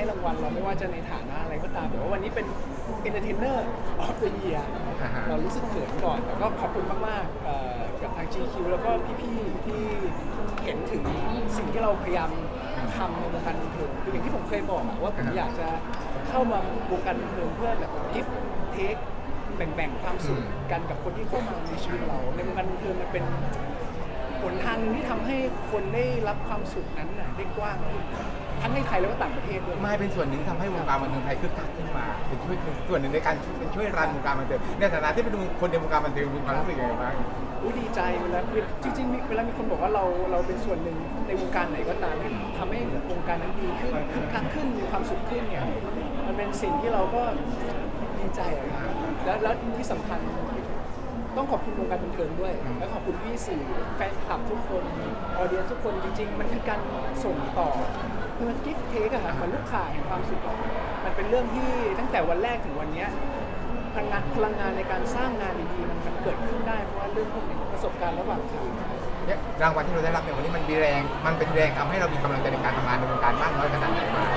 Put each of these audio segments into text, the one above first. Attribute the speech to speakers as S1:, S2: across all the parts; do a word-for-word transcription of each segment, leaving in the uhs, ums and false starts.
S1: ให้รางวัลเราไม่ว่าจะในฐานะอะไรก็ตามแต่ว่าวันนี้เป็น Entertainer of the Year เรารู้สึกเขินก่อนแต่ก็ขอบคุณมากๆเอ่อกับทาง จี คิว แล้วก็พี่ๆที่เห็นถึงสิ่งที่เราพยายามทำในวงการบันเทิงคืออย่างที่ผมเคยบอกอะว่าผมอยากจะเข้ามาวงการบันเทิงเพื่อแบบ give take แบ่งๆความสุขกันกับคนที่เข้ามาในชีวิตเราในวงการบันเทิงมันเป็นหนทางหนึงที่ทำให้คนได้รับความสุขนั้นน่ะได้กว้างขึ้นทั้งในไทยแล้วก็ต่างประเทศด้วย
S2: ไม่เป็นส่วนหนึ่งที่ทำให้วงการบันเทิงไทยคึกคักขึ้นมาเป็นช่วยส่วนหนึ่งในการเป็นช่วยรันวงการบันเทิงในฐานะที่เป็นคนในวงการบันเทิงมีความรู้สึกยังไงบ้าง
S1: อุ๊ยดีใจเวลาจริงๆมีเวลามีคนบอกว่าเราเราเป็นส่วนหนึ่งในวงการไหนก็ตามที่ทำให้วงการนั้นดีขึ้นคึกคักขึ้นมีความสุขขึ้นเนี่ยมันเป็นสิ่งที่เราก็ดีใจอะครับแล้วแล้วที่สำคัญต้องขอบคุณวงการบันเทิงด้วยและขอบคุณพี่สื่อแฟนคลับทุกคนออเดียนทุกคนจริงๆมันคือการส่งต่อคือมันกิฟต์เทคอะค่ะมันลูกข่ายแห่งความสุขอะมันเป็นเรื่องที่ตั้งแต่วันแรกถึงวันเนี้ยพลังงานพลังงานในการสร้างงานดีๆมันมันเกิดขึ้นได้เพราะว่าเรื่องพวกนี้ประสบการณ์ระหว่างทาง
S2: เนี่ยรางวัลที่เราได้รับในวันนี้มันมีแรงมันเป็นแรงทำให้เรามีกำลังใจในการทำงานในวงการมากน้อยขนาดไหนบ้าง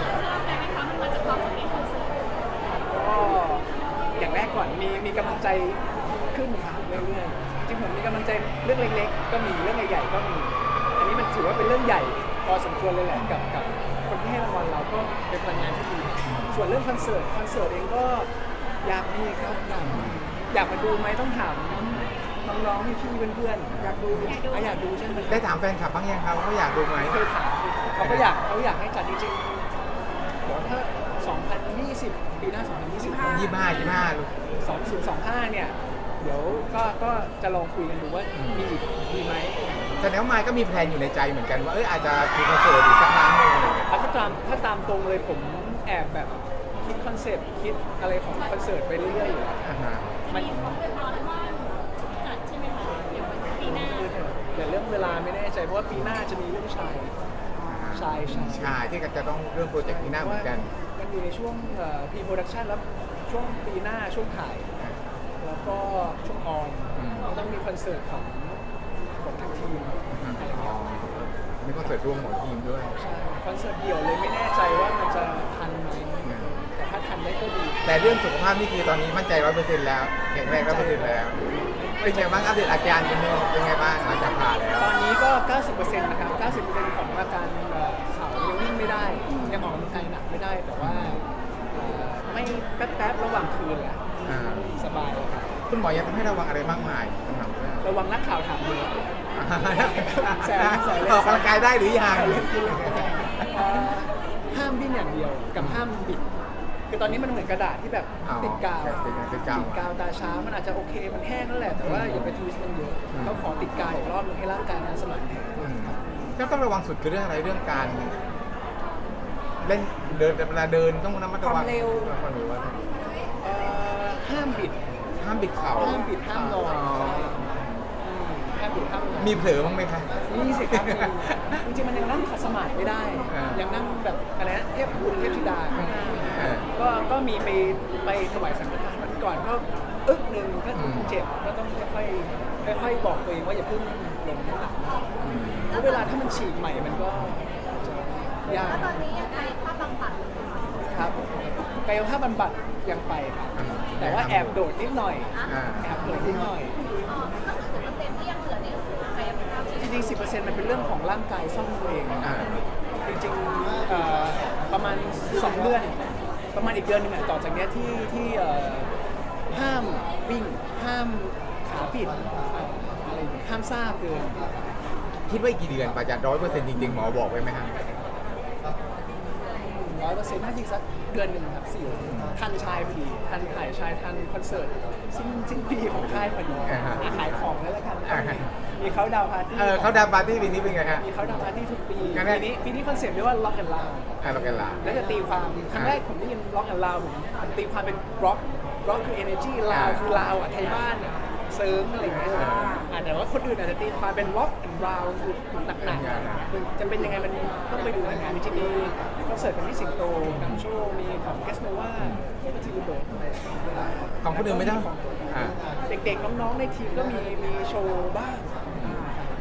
S1: ก็อย่างแรกก่อนมีมีกำลังใจขึ้นครับเรื่อยๆจริงๆผมมีกำลังใจเรื่องเล็กๆก็มีเรื่องใหญ่ๆก็มีอันนี้มันถือว่าเป็นเรื่องใหญ่พอสมควรเลยแหละกับกับคนที่ให้รางวัลเราก็เป็นพลังงานที่ดีส่วนเรื่องคอนเสิร์ตคอนเสิร์ตเองก็อยากมีครับอยากมีอยากมาดูไหมต้องถามน้องๆพี่ๆเพื่อนๆอยากดูอ่ะอยากดูใช่ไหม
S2: ได้ถามแฟนคลับบ้างยังครับว่าเขาอยากดูไหม
S1: เคยถามเขาก็อยากเขาอยากให้จัดจริงๆเดี๋ยวถ้าสองพันยี่สิบปีหน้าสองพันยี่สิบห้า
S2: ยี่ห้ายี่ห้าลูก
S1: สองศูนย์สองห้าเนี่ยเดี๋ยวก็ก็จะลองคุยกันดูว่ามีอีกดีไหม
S2: แสดงว่าไมค์ก็มีแพลนอยู่ในใจเหมือนกันว่าเอออาจจะมีคอนเสิร์ตอีกสักครั้งหนึ่ง
S1: ถ้าตามถ้าตามตรงเลยผมแอบแบบคิดคอนเซ็ปต์คิดอะไรของคอนเสิร์ตไปเรื่อยๆอยู่แล้ว
S2: อ่าฮะ
S1: มันแต่เรื่องเวลาไม่แน่ใจเพราะว่าปีหน้าจะมีเรื่องชายชายชาย
S2: ใช่ที่จะต้องเรื่องโปรเจกต์ที่หน้าเหมือนกัน
S1: มันอยู่ในช่วงพีโปรดักชันแล้วช่วงปีหน้าช่วงถ่าย แล้วก็ช่วงออนเราต้องมีคอนเสิร์ตของของทางทีมอะไรอย่างเงี้ย
S2: มีคอนเสิร์ตร่วมของทีมด้วย
S1: ใช่คอนเสิร์ตเดี่ยวเลยไม่แน่ใจว่ามันจะทันไหมแต่ถ้าทันได้ก็ดี
S2: แต่เรื่องสุขภาพนี่คือตอนนี้มั่นใจร้อยเปอร์เซ็นต์แล้วแข็งแรงร้อยเปอร์เซ็นต์แล้วเป็นไงบ้างอัปเดตอาการกันเป็นไงบ้างหลังจากผ่าแล้ว
S1: ตอนนี้ก็ เก้าสิบเปอร์เซ็นต์ นะครับ เก้าสิบเปอร์เซ็นต์ ของอาการเอ่อเข่ายังวิ่งไม่ได้ ยังออกกำลังกายหนักไม่ได้ แต่ว่าเอ่อไม่แป๊บๆระหว่างคืนแหละ
S2: อ่า
S1: สบายครับ
S2: คุณหมอยังต้องให้ระวังอะไรมากมายสำหรับเรื่อง
S1: ระวังนักข่าวถามเยอะ แซวแซวเล่น
S2: ออกกำลังกายได้หรือยัง
S1: เอ่อห้ามดิ้นอย่างเดียวกับห้ามบิด คือตอนนี้มันเหมือนกระดาษที่แบบ
S2: อ๋อ
S1: ติดกาว
S2: ติดกาวติดกาว
S1: ติดกาวตาช้ามันอาจจะโอเคมันแห้งนั่นแหละ แต่ว่าอย่าไปทวิสต์มันเยอะ
S2: อืม
S1: เขาขอติดกาวอีกรอบนึงให้ร่างกายมันสมานแผล
S2: อืมก็ต้องระวังสุดคือเรื่องอะไรเรื่องการ เล่นเดินเวลาเดินต้องระมัดระวังความเร็ว
S1: เอ่อห้ามบิด
S2: ห้ามบิดเข่า
S1: ห้ามบิดห้ามนอนอืมห้ามบิดห้ามนอน
S2: มีเผลอบ้างไหมคะ
S1: นี่สิครับจริงๆมันยังนั่งขัดสมาธิไม่ได้
S2: อ่ายั
S1: ยังนั่งแบบอะไรนะเทพบุตรเทพธิดาข้างหน้า
S2: อ่า
S1: ก็ก็มีไปไปถวายสังฆทานวันก่อนก็อึ๊กหนึ่งก็
S2: อืม
S1: เจ็บก็ต้องค่อยๆค่อยๆบอกตัวเองว่าอย่าเพิ่งลงน้ำหนักมาก
S2: อืม
S1: เพราะเวลาถ้ามันฉีกใหม่มันก็จะยาก
S3: แล้วตอนนี้ยังไงภาพบำบัด
S1: ครับกายภาพบำบัดยังไปครับแต่ว่าแอบโดดนิดหน่อย
S2: อ่า
S1: แอบโดดนิดหน่อย
S3: อ๋อก็คือสิบเปอร์เซ็นต์ที่ยังเหลือนี่คือกายภาพ
S1: จริงๆ สิบเปอร์เซ็นต์ มันเป็นเรื่องของร่างกายซ่อมตัวเอง
S2: อ่า
S1: จริงๆเอ่อประมาณสองเดือน ประมาณอีกเดือนหนึงอะต่อจากเนี้ยที่ที่เอ่อห้ามวิ่ง ห้ามขาปิดอะไรอย่างเงี้ยห้ามซ่าเกิน
S2: คิดว่าอีกกี่เดือนกว่าจะร้อยเปอร์เซ็นต์จริงๆหมอบอกไว้ไหมครับ
S1: ร้อยเปอร์เซ็นต์น่าจะอีกสักเดือนหนึ่งครับสี่ทันชายพอดีทันถ่ายชายทันคอนเสิร์ตสิ้นสิ้นปีของค่ายพอดี
S2: อ่าฮะ
S1: อ่ะขายของแล้วละกัน
S2: อ่าฮะ
S1: มีเขาดาวน์ปาร์ตี้
S2: เออเขาดาวน์ปาร์ตี้ปีนี้เป็นไงฮะ
S1: มีเขาดาวน์ปาร์ตี้ทุกปี
S2: งั้นเนี่
S1: ปี
S2: ย
S1: นี้ปีนี้คอนเซ็ปต์เรียกว่า Rock and Loud
S2: อ่าเรากันลา
S1: แล้วจะตีความครั้งแรกผมได้ยิน Rock and Loud ผมผมตีความเป็น Rock Rock คือ energy ลาวคือลาวอ่ะไทยบ้านอ่ะเซิร์ฟอะไรอย่างเงี้ยอ่าแต่ว่าคนอื่นอาจจะตีความเป็น Rock and Round คือหนักๆคือจะเป็นยังไงมันต้องไปดูในงานจริงๆมีคอนเสิร์ตของพี่สิงโตนำโชว์มีของเกสโนวาแล้วก็ทีมเบิร์ดอะไร
S2: ของคนอื่นไม่ได้อ่า
S1: เด็กๆน้องๆในทีมก็มีมีโชว์บ้าง
S2: แ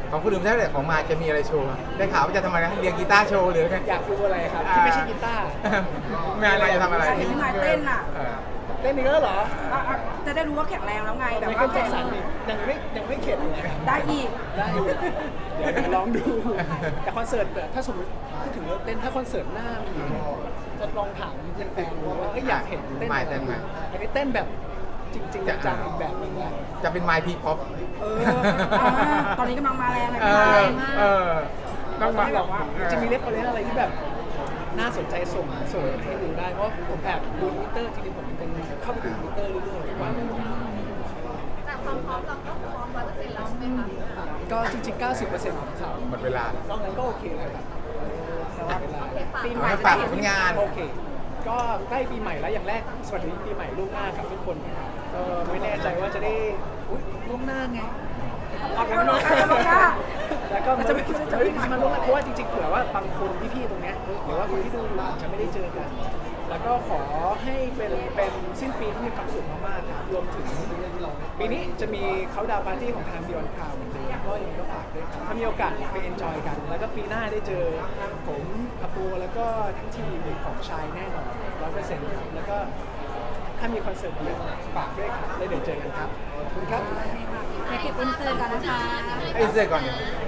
S2: ของคุณลืมใช่ไหมของมาจะมีอะไรโชว์ได้ข่าวว่าจะทำอะไรนะเรียนกีตาร์โชว์หรือไง
S1: อยากดูอะไรครับที่ไม่ใช่กีตาร์
S2: งานอะไรจะทำอะไร
S4: เห็นพี่มายเต้นอ่ะ
S2: เออ
S1: เล่นอีกแล้วเหรอ
S4: อ่ะอ่ะจะได้รู้ว่าแข็งแรงแล้วไงแบบ
S1: ไม่
S4: ว่า
S1: เข้าใจสันนี่ยังไม่ยังไม่เข็ดเลยครับ
S4: ได้อีก
S1: ได้อยู่เดี๋ยวเดี๋ยวลองดู แต่คอนเสิร์ตเนี่ยถ้าสมมติพูดถึงเรื่องเต้นถ้าคอนเสิร์ตหน้ามีจะลองถามแฟนๆดูว่าเอ้ยอยากเห็นเต้น
S2: ไม่
S1: อะไร
S2: เต้นไหม
S1: อยากให้เต้นแบบจริงๆจังๆอีกแบบหนึงแหละ
S2: จะเป็นไมค์ทีพ็อป
S4: เอออ่าตอนนี้กำลังมาแรงเลย
S2: เอ
S4: พี่
S2: อ
S4: มาย
S2: เออต้องมา
S1: แบบว่าจะมีเล็กคอนเทนต์อะไรที่แบบน่าสนใจส่งส่งให้ดูได้เพราะผมแอบดูทวิตเตอร์จริงๆผมเป็นคนเข้าไปดูทวิตเตอร์เรื่อยๆทุกวัน
S3: แต่ความพร้อมเราก็พร้อมร้อยเปอร์เซ็นต์แล้วไหมคะ
S1: ก็จริงๆ เก้าสิบเปอร์เซ็นต์ ของข่าว
S2: หมดเวลา
S1: นอกนั้นก็โอเคเลยครับสำหรับเวลา
S4: ปีให
S2: เอา
S4: ม่
S2: ให้
S4: จะ
S2: ฝา
S4: ได้
S2: ก
S4: เห็น
S2: ผลงาน
S1: โอเค ก็ใกล้ปีใหม่แล้วอย่างแรกสวัสดีปีใหม่ล่วงหน้ากับทุกคนนะครับก็ไม่แน่ใจว่าจะได้อุ๊ยล่วงหน้าไง
S4: ออกกำลังกายแล้วนะ
S1: แล้วก็จะไม่จะไม่ได้มาล่วงหน้าเพราะว่าจริงๆเผื่อว่าบางคนพี่ๆตรงเนี้ยหรือว่าคนที่ดูอยู่อาจจะไม่ได้เจอกัน แล้วก็ขอให้เป็นเป็นสิ้นปีที่มีความสุขมากๆครับรวมถึงปีนี้จะมีเขาดาวปาร์ตี้ของทางบิออนคาวเหมือนเดิมก็ยังไงก็ฝากด้วยครับถ้ามีโอกาสไปเอนจอยกัน แล้วก็ปีหน้าได้เจอผมอาปูแล้วก็ทั้งทีมของชายแน่นอนร้อยเปอร์เซ็นต์ครับแล้วก็ถ้ามีคอนเสิร์ตเดียวฝากด้วยครับแล้วเดี๋ยวเจอกันครับขอบคุณครับ
S4: เดี๋ยวเก็บอินเสิร์ตกันนะคะ
S2: ไอ้เสื้อก่อนเนี่ย
S3: เ